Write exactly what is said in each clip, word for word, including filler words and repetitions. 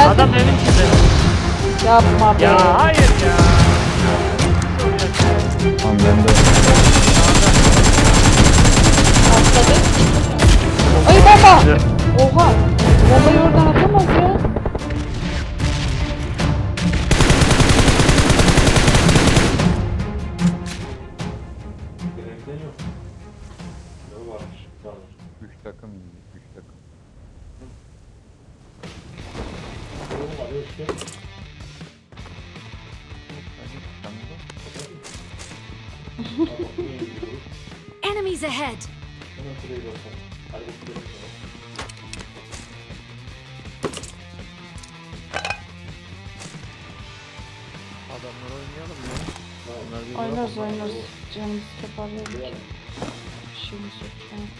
Adam evin içinde. Yapma be. Ya hayır ya. Tamam ben de. Atladı. Ay baba. Oha. Babayı oradan atamaz ya. Gerekten yok. Ne varmış? Tamam. Üç takım indi. Üç takım. Oğlum arıyor işte. Enemies ahead! Hemen şuraya bakalım. Hadi bakalım. Adamlar oynayalım ya. Onlar bir Oynarız bırak- oynarız. Canımız toparlayalım. Bir şeyimiz yok şu an.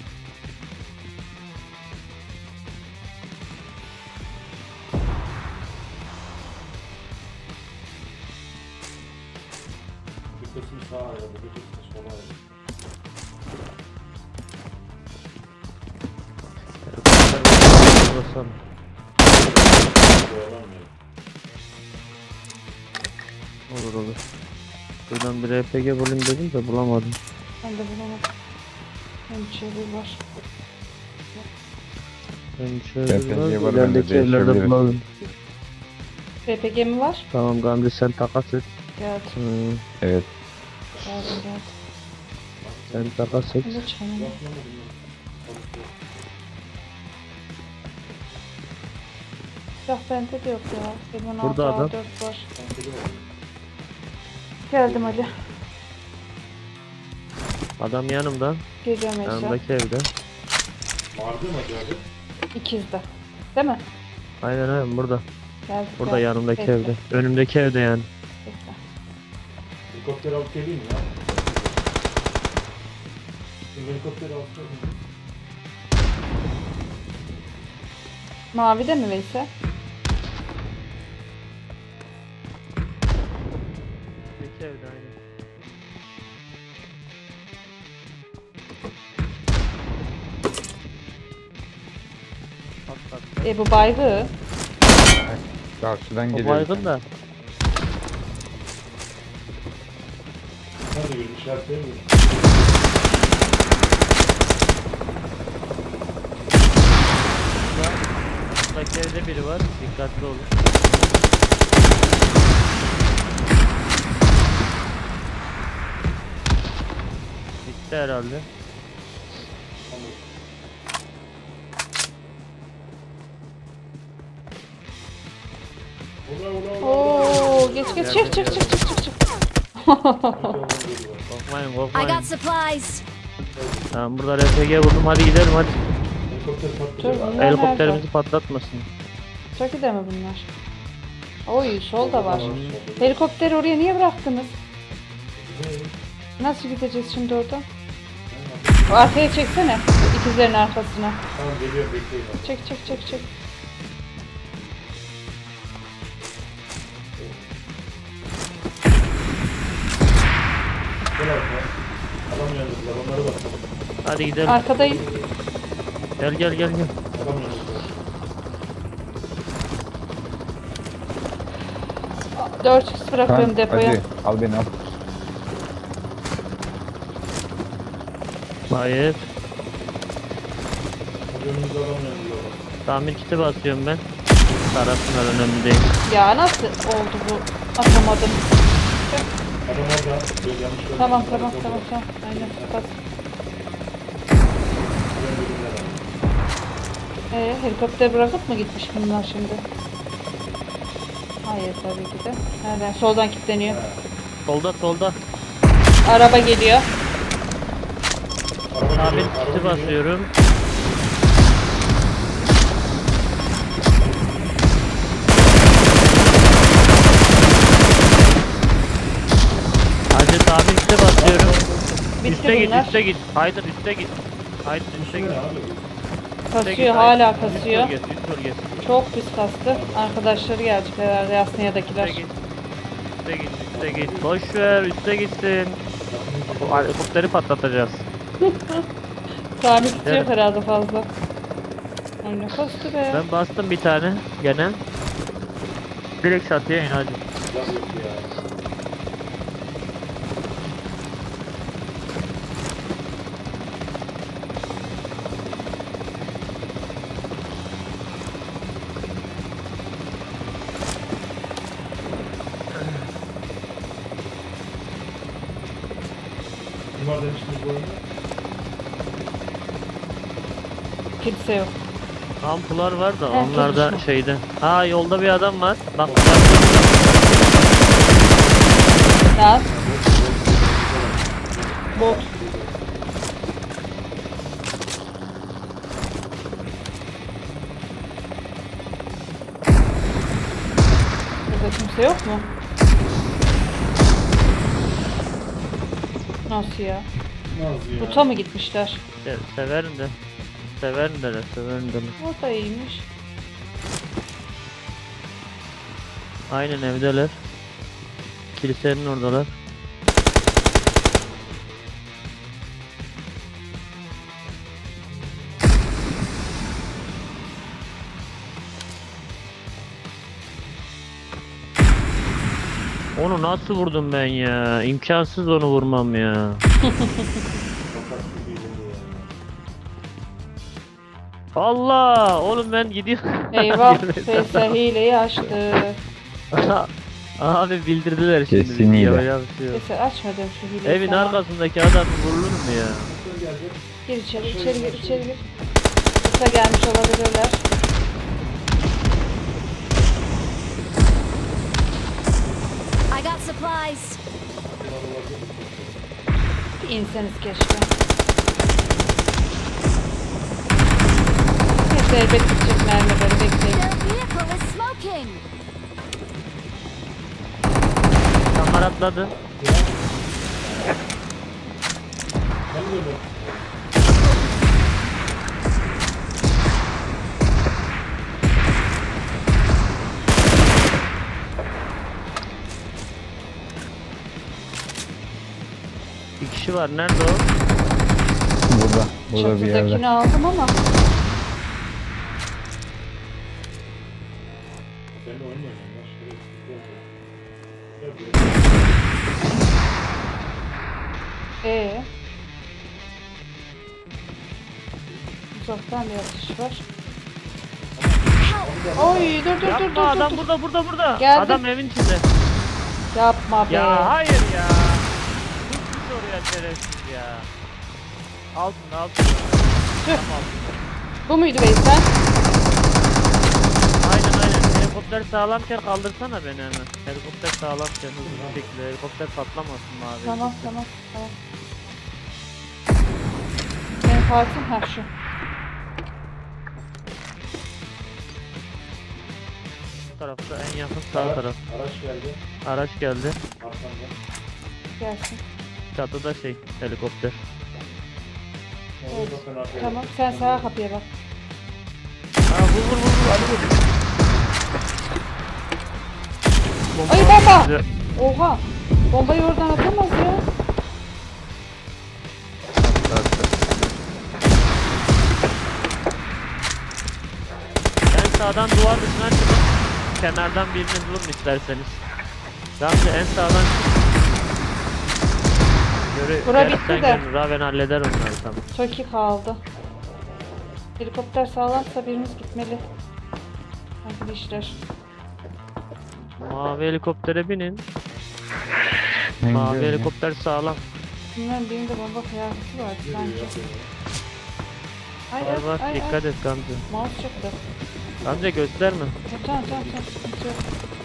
Bir kısmı sağa ayrıldı, bir kısmı sola ayrıldı. Basalım. Oyalanmıyor. Olur olur. Buradan bir R P G bulayım dedim de bulamadım. Ben de bulamadım. Hem çevir var. Ben şöyle R P G biraz var, bende ilerideki evlerde değişebilir. bulalım. R P G mi var? Tamam Gamze sen takas et. Geldi. Hmm, Evet. Geldi geldi. sen takas et. Ben de çayını. Silah bende de yok ya. Benim Burada altı adam. A dört var. Geldim Ali. Adam yanımda. Geliyorum Eşya. Yanımdaki evde. Vardı mı acaba? İkizde. Değil mi? Aynen aynen burada. Geldi. Burada geldi. yanımdaki Bekle, evde. Önümdeki evde yani. bekle. Helikopter alıp geleyim mi ya? Şimdi helikopteri alıp geleyim. Mavi de mi Veysel? Önümdeki evde aynen. Patlat. E bu baygı. Karşıdan O geliyor. baygın da. Nerede bir işaretleyeyim mi? Buradaki evde biri var. Dikkatli olun. Bitti herhalde. Ula ula ula. Oo, geç geç çık çık çık çık çık çık. Korkmayın I korkmayın. got supplies! Tamam burada R P G buldum, hadi gidelim hadi. Helikopter Dur patlayacak. bunlar Helikopterimizi nerede? patlatmasın. Türkiye'de mi bunlar? Oy solda var. Helikopteri oraya niye bıraktınız? Nasıl gideceğiz şimdi oradan? O arkaya çeksene. İkizlerin arkasına. Tamam geliyorum bekleyin. Çek çek çek çek. Gel arkaya. Adam yandılar, onlara bak. Hadi gidelim. Arkadayım. Gel gel gel gel. Adam yandılar. dört x bırakıyorum depoya. Hadi al beni al. Hayır. Önümüzde adam yandılar. Tamir kiti basıyorum ben. Tarafsınlar, önemli değil. Ya nasıl oldu bu? Atamadım. Adam orada. Böyle yanlış görmedim. Tamam tamam tamam tamam. Aynen. Bas. Ee, helikopter bırakıp mı gitmiş bunlar şimdi? Hayır tabii ki de. Nereden? Soldan kilitleniyor. Solda solda. Araba geliyor. Tamir kiti basıyorum. Hadi tamir kiti basıyorum. Bitti Üste git bunlar. üste git. Haydi üste git. Haydi üste git. Üste Kasıyor git, hala haydi. kasıyor. Üst bölgesi, üst bölgesi. Çok pis kastı. Arkadaşları gelecek herhalde Yasniya'dakiler. Üste git. Üste git, üste git. Boş ver, üste gitsin. O helikopteri patlatacağız. Tamir kiti yok Evet. herhalde fazla. Ay ne kastı be. Ben bastım bir tane gene. Direkt çatıya in hadi. Silah yok ya. Kim var demiştiniz bu oyunda? Kimse yok. Ampular var da Heh, onlar da tutmuş mu? şeyde. Ha yolda bir adam var. Bak Lan. Bot. Burada kimse yok mu? Nasıl ya? Nazlı ya. Buta mı gitmişler? se- severim de. Severim de severim de. O da iyiymiş. Aynen evdeler. Kilisenin oradalar. Onu nasıl vurdum ben ya? İmkansız onu vurmam ya. Fakat gibiydi bu ya. Allah! Oğlum ben gidiyorum. Eyvah. Faysal hileyi açtı. Abi bildirdiler şimdi. Kesin bizi, hile. yapacak bir şey yok. Faysal açmadım şu hileyi. Evin sana. arkasındaki adam vurulur mu ya? Nasıl geldi? Gir içeri, içeri gir, içeri gir. Kısa gelmiş olabilirler. I got supplies. Bir inseniz keşke. Neyse elbet gidecek mermileri bekleyin. Their vehicle is smoking. Kamera atladı. Ben böyle. Bir kişi var. Nerede o? Burada. Burada bir yerde. Çatıdakini aldım ama Seninle oyun mu oynuyorum lan? Şöyle gel buraya. Gel buraya. ee. Uzaktan bir atış var. Oy dur dur dur Yapma dur dur. adam dur. burada burada burada. Geldim. Adam evin içinde. Yapma be. Ya hayır ya. Hiç oraya şerefsiz ya. Altında altında. Tüh. Tam altında. Bu muydu Veysel? Aynen aynen. Helikopter sağlamken kaldırsana beni hemen. Helikopter sağlamken hızlı bir şekilde. Helikopter patlamasın mavi. Tamam tamam tamam. Benim partim ha şu. Bu tarafta en yakın sağ Araç- taraf. Araç geldi. Araç geldi. Arkamda. Gelsin. Çatıda şey helikopter. Oraya bakın arkaya. Tamam sen sağa kapıya bak. Ha vur vur vur vur hadi vur. Bomba Ay var bomba! bize. Oha! Bombayı oradan atamaz ya. En sağdan duvar dışına çıkın. Kenardan birini vurun isterseniz. Gamze en sağdan çık. Göre, Bura gerçekten bitti de. görün, Raven halleder onları tamam. Toki kaldı. Helikopter sağlamsa birimiz gitmeli. Arkadaşlar. Mavi helikoptere binin. Ben Mavi gidiyorum ya. helikopter sağlam. Bilmem birinde bomba kıyafeti var sanki. Ay Var ay var ay dikkat ay. et Gamze. Mouse çıktı. Gamze gösterme. Tamam tamam tamam tamam, sıkıntı yok.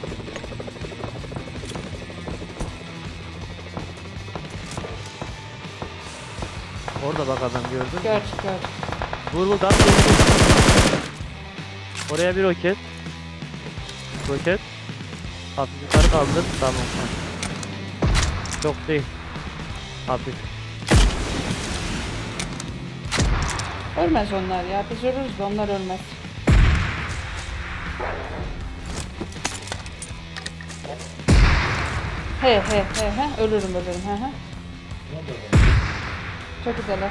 Orada bak adam gördün mü? Gördük gördük. Vur vur Gamze vur. Oraya bir roket. Roket. Hafif yukarı kaldır. Tamam. tamam. Çok değil. Hafif. Ölmez onlar ya. Biz ölürüz de onlar ölmez. He he he he. Ölürüm ölürüm. He he. Çok güzeller.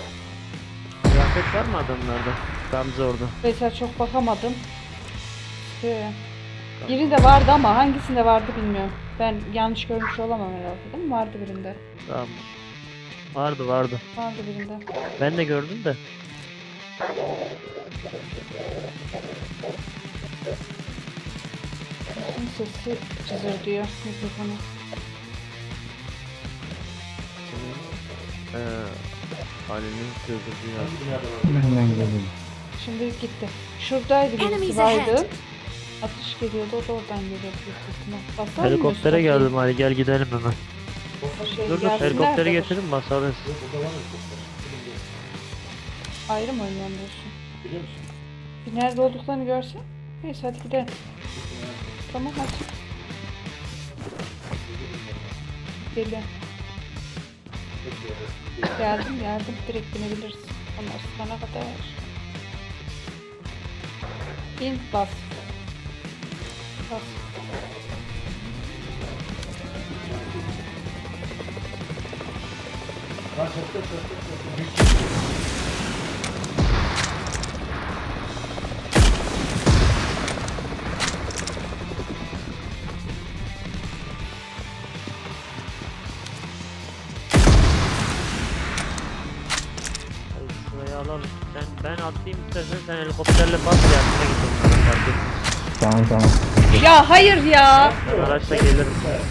Kıyafet var mı adamlarda? Gamze orada. Veysel çok bakamadım. çıkıyor ya. Birinde vardı ama hangisinde vardı bilmiyorum. Ben yanlış görmüş olamam herhalde değil mi? Vardı birinde. Tamam. Vardı vardı. Vardı birinde. Ben de gördüm de. Bütün sesi cızır diyor mikrofonu. Ee, Ali'nin sözü ya. Hangi binada var? Benden geliyor. Şimdi gitti. Şuradaydı birisi Enemies vardı. ahead. Atış geliyordu o da oradan geliyordu büyük ihtimal. Basar mı Helikoptere Mustafa? geldim Ali, gel gidelim hemen. Şey, Dur dur, gelsinler helikopteri de- getirin basarız. Yok, burada var helikopter. Bilmiyorum. Ayrı mı oynayan diyorsun? Biliyor musun? Bir nerede olduklarını görsen. Neyse hadi gidelim. Tamam hadi. Geliyorum. Geldim geldim. Direkt binebiliriz. Onlar sana kadar. İn bas. Bas. Lan çattı çattı çattı. Büyük Hadi şurayı alalım. Sen, ben atlayayım istersen sen helikopterle bas yardıma git onlara, fark etmez. Tamam tamam. Ya hayır ya. Ben araçla gelirim.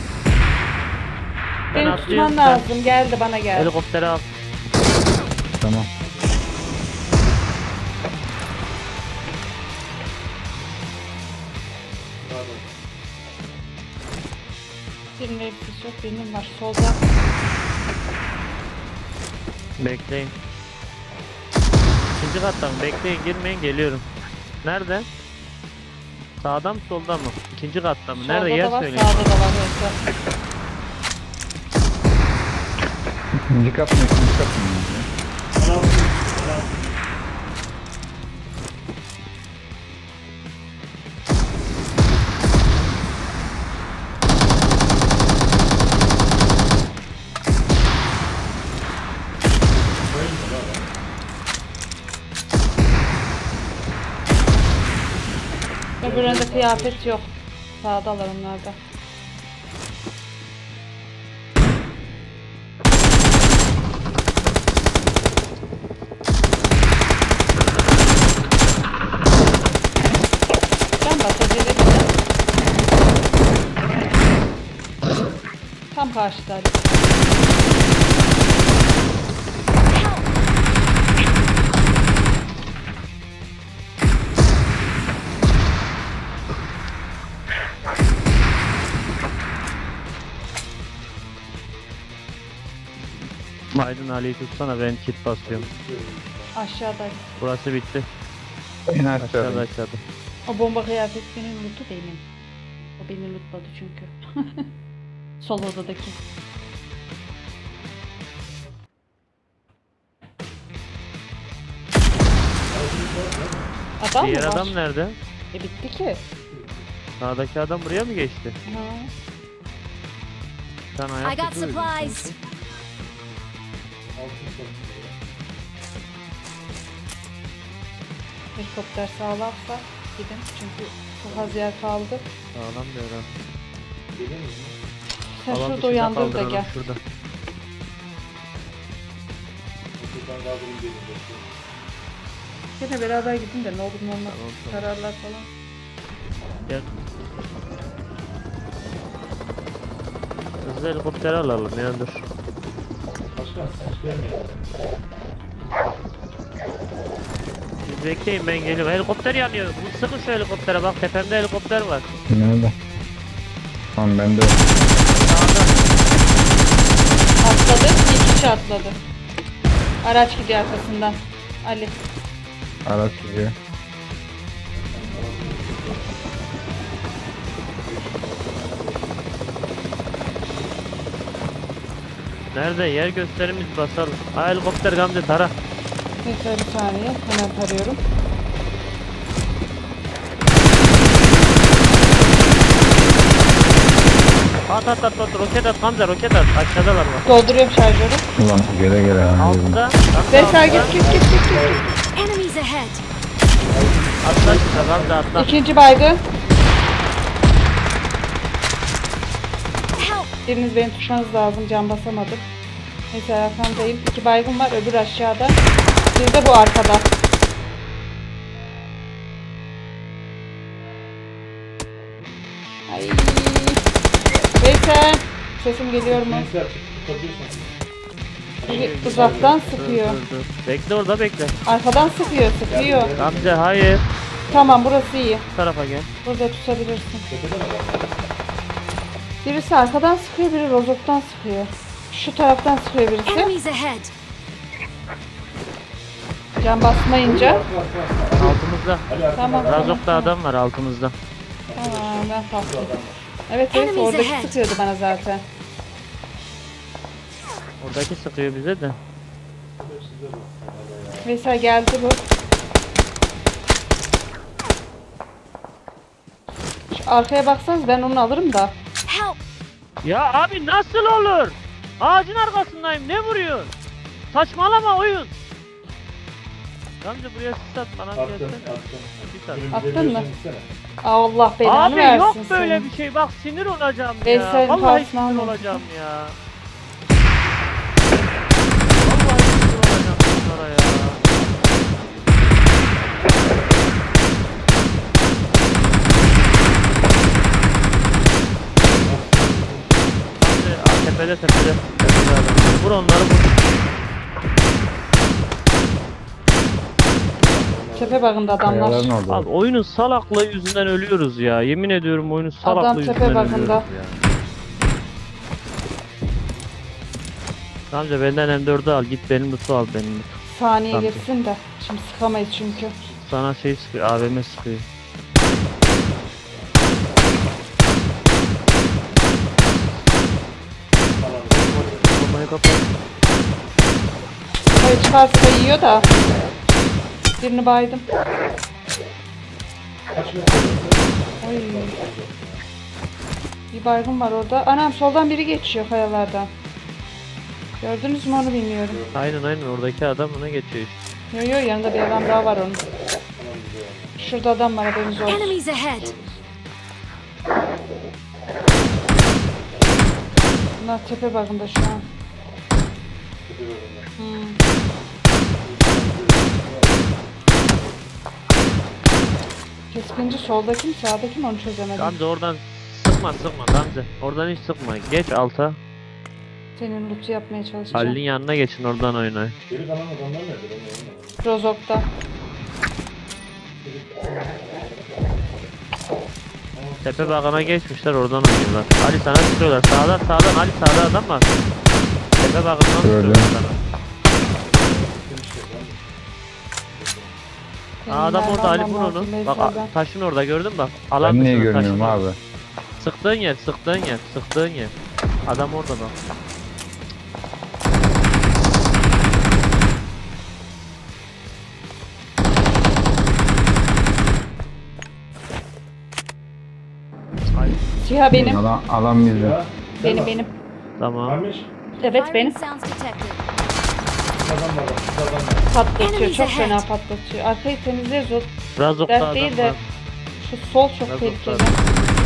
Ben Beni atlıyorum, tutman sen lazım. Geldi bana geldi. helikopteri al. Tamam. pardon. Birinin elbisesi yok. Birinin var. Solda. Bekleyin. İkinci kattan bekleyin, girmeyin, geliyorum. Nerede? Sağda mı solda mı? İkinci katta mı? Nerede? Solda Yer da var. söyleyin. Sağda da var. Yoksa. İkinci kat mı? İkinci kat mı? Bana altı. Bana altı. Öbüründe kıyafet yok. Sağdalar onlar da. Ben basacağım. Tam karşıda. Aydın Ali'yi tutsana, ben kit basıyorum. Aşağıda. Burası bitti. En Aşağıda aşağıda. aşağıda. O bomba kıyafet benim lootu benim. O beni lootladı çünkü. Sol odadaki. Adam Diğer mı var? adam nerede? E bitti ki. Sağdaki adam buraya mı geçti? Ha. Sen I ayak got tutuyorsun supplies. sanki. Altın çok. Helikopter sağlarsa gidin çünkü çok az yer kaldı. Sağlam bir adam. Geliyor musun? Sen Alan şurada dışında uyandır da kaldıralım, gel. Şurada. Okuldan kaldırayım dedim. bekliyorum. Gene beraber gidin de ne olur ne olmaz. Tamam, tamam. Kararlar falan. Gel. Hızlı helikopteri alalım ya, dur. Başkan hiç gelmiyor. Siz bekleyin, ben geliyorum. Helikopter yanıyor. Bu- Sıkın şu helikoptere, bak tepemde helikopter var. Nerede? Tamam ben de. Sağda. Atladı. İki kişi atladı. Araç gidiyor arkasından. Ali. Araç gidiyor. Nerede? Yer gösterimiz basalım. Ha, helikopter Gamze tara. Neyse bir saniye. Hemen tarıyorum. At at at at, roket at Gamze, roket at. Aşağıdalar bak. Dolduruyorum şarjörü. Ulan gele gele. ha. Altta. Gamze Veysel altta. git git git git git. Enemies ahead. Atla şuna Gamze, atla. İkinci baygın. Biriniz beni tutmanız lazım. Can basamadım. Neyse arkandayım. İki baygın var. Öbür aşağıda. Bir de bu arkada. Ay. Veysel. Sesim geliyor mu? Neyse açık tutabiliyorsun. Bir uzaktan sıkıyor. Dur, dur, dur. Bekle orada bekle. Arkadan sıkıyor, sıkıyor. Gamze hayır. Tamam, burası iyi. Bu tarafa gel. Burada tutabilirsin. Tepede mi var? Birisi arkadan sıkıyor, biri rozoktan sıkıyor. Şu taraftan sıkıyor birisi. Enemies ahead. Can basmayınca. Altımızda. Ali arkada. Tamam. Razok'ta adam var altımızda. Tamam, ben kalktım. Evet, evet, Enemies oradaki ahead. sıkıyordu bana zaten. Oradaki sıkıyor bize de. Veysel geldi bu. Şu arkaya baksanız ben onu alırım da. Help. Ya abi nasıl olur? Ağacın arkasındayım. Ne vuruyorsun? Saçmalama oyun. Gamze buraya sis at bana bir Attım, gelsene. attım. Sis at. Önümüze Attın mı? bir gitsene. Allah belanı Abi versin yok böyle senin. bir şey. Bak sinir olacağım ya. Veysel Vallahi karşısına sinir almadım. olacağım ya. Vallahi sinir olacağım bunlara ya. Gamze aa, tepede tepede. Tepede adam. Vur onları vur. Tepe bakında Kayaların adamlar. orada. Abi oyunun salaklığı yüzünden ölüyoruz ya. Yemin ediyorum oyunun salaklığı Adam yüzünden tepe ölüyoruz bakında. ya. Amca benden M dördü al git benim loot'u al benim loot. Saniye Tamam. girsin de. Şimdi sıkamayız çünkü. Sana şey sıkıyor A V M sıkıyor. Bombayı kapat. Hayır, çıkarsa yiyor da. Birini baydım. Kaç metre? Oy. Bir baygın var orada. Anam soldan biri geçiyor kayalardan. Gördünüz mü onu bilmiyorum. Aynen aynen oradaki adam ona geçiyor işte. Yo yo, yanında bir adam daha var onun. Şurada adam var, haberiniz olsun. Enemies ahead. Bunlar tepe bakında şu an. Hmm. Keskinci soldaki mi sağdaki mi onu çözemedim. Gamze oradan sıkma sıkma Gamze. Oradan hiç sıkma. Geç alta. Senin loot'u yapmaya çalışacağım. Halil'in yanına geçin oradan oynayın. Geri kalan adamlar nerede? Ben de anlamadım. Rozok'ta. Tepe bakana geçmişler oradan oynuyorlar. Ali sana sıkıyorlar. Sağdan sağdan Ali sağda adam var. Tepe bakından Gördüm. sıkıyorlar sana. Aa, adam Benim orada Ali vermem vur onu. lazım Bak Veysel'den. a- taşın orada gördün mü bak. Alan Ben niye dışında, görmüyorum taşın abi? orada. Sıktığın yer, sıktığın yer, sıktığın yer. Adam orada bak. Ay, Siyah benim. Alan, alan bizde. Ya, Benim benim. tamam. Varmış. Evet benim. Firing sounds detected. Bir adam var. Bir adam var. Patlatıyor. Enemies Çok ahead. fena patlatıyor. Arkayı temizleriz o. Razok'ta Dert adam değil de. var. Şu sol çok Razok'ta tehlikeli. adam.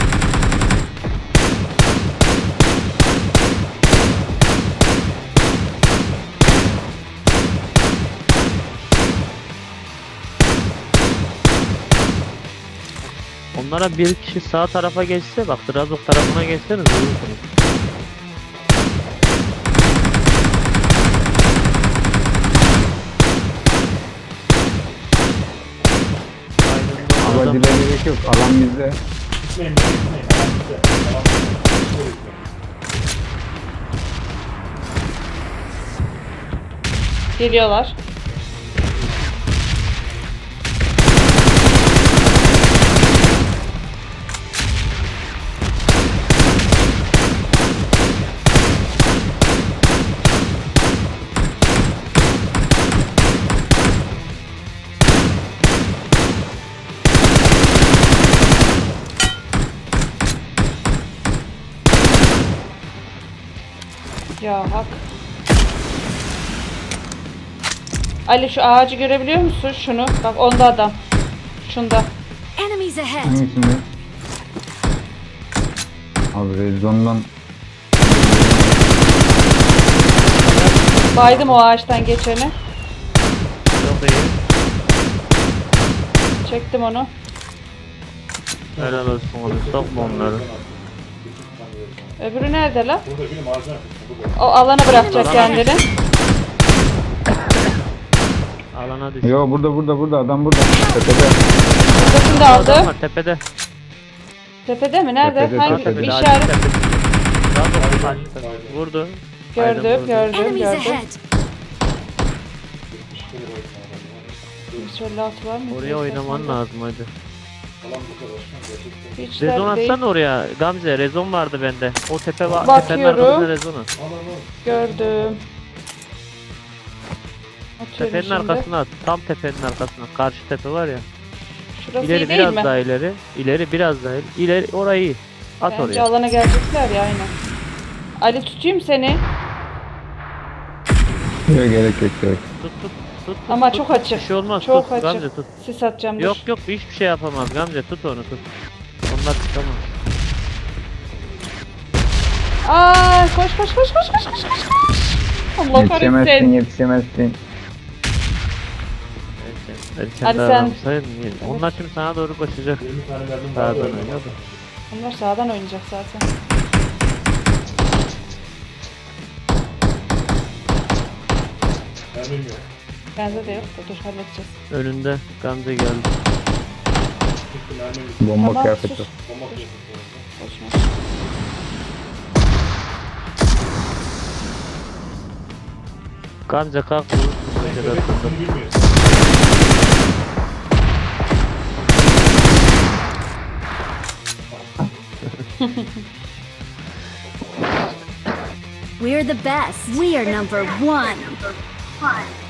Onlara bir kişi sağ tarafa geçse bak Razok tarafına geçseniz vurursunuz. Aydın'da adam. Abacılara gerek yok. Alan bizde. Gitmeyin, ben gitmeyin. Adam bize. Adam bize. Şöyle gitmeyin. Geliyorlar. Ya hak. Ali şu ağacı görebiliyor musun? Şunu. Bak onda adam. Şunda. Enemies ahead. Hangisinde? Abi Rezon'dan Baydım o ağaçtan geçeni. Çok iyi. Çektim onu. Helal olsun oğlum. Sokma onları. Öbürü nerede lan? Burada benim ağacın arkasında. Burada. O alana bırakacak kendini. Alana düş. Yo burada burada burada adam burada. Tepede. Buradakini de Adam aldım. var tepede. Tepede mi? Nerede? Tepede, Hangi tepede. bir Ağacın işaret? tepede. Daha doğrusu ağacın. Vurdu. Aynen Gördüm, vurdu. gördüm, Enemies gördüm. ahead. Şöyle at var mı? Oraya oynaman lazım hadi. Falan bu kadar. Gerçekten. Hiç Rezon dert değil. atsana oraya. Gamze rezon vardı bende. O tepe var. Tepenin Bakıyorum. arkasında rezonu. Al al al. Gördüm. Atıyorum Tepenin şimdi. arkasına at. Tam tepenin arkasına. Karşı tepe var ya. Şurası İleri iyi değil biraz mi? daha ileri. İleri biraz daha ileri. İleri orayı iyi. At Bence oraya. alana gelecekler ya aynen. Ali tutayım seni. Yok gerek yok gerek. Tut tut. Tut, tut, Ama tut. çok açık. Bir şey olmaz. Çok tut. açık. Gamze tut. Sis atacağım dur. Yok yok hiçbir şey yapamaz Gamze. Tut onu tut. Onlar tutamaz. Aa koş koş koş koş koş koş koş koş. Allah Yetişemezsin kahretsin. yetişemezsin. Erken Ali sen- davransaydın iyi. Onlar şimdi sana doğru koşacak. yirmi tane mermim var. Sağdan Öyle oynuyordu. Onlar sağdan oynayacak zaten. Mermim yok. Bende de yok da dur halledeceğiz. Önünde Gamze geldi. Çünkü mermim yok. Bomba Tamam, kıyafeti. sus. Bomba koyuyorsun. Boşuna. Gamze kalk vurursun köşede Evet, aslında. bunu bilmiyorsun. We're the best. We are number one.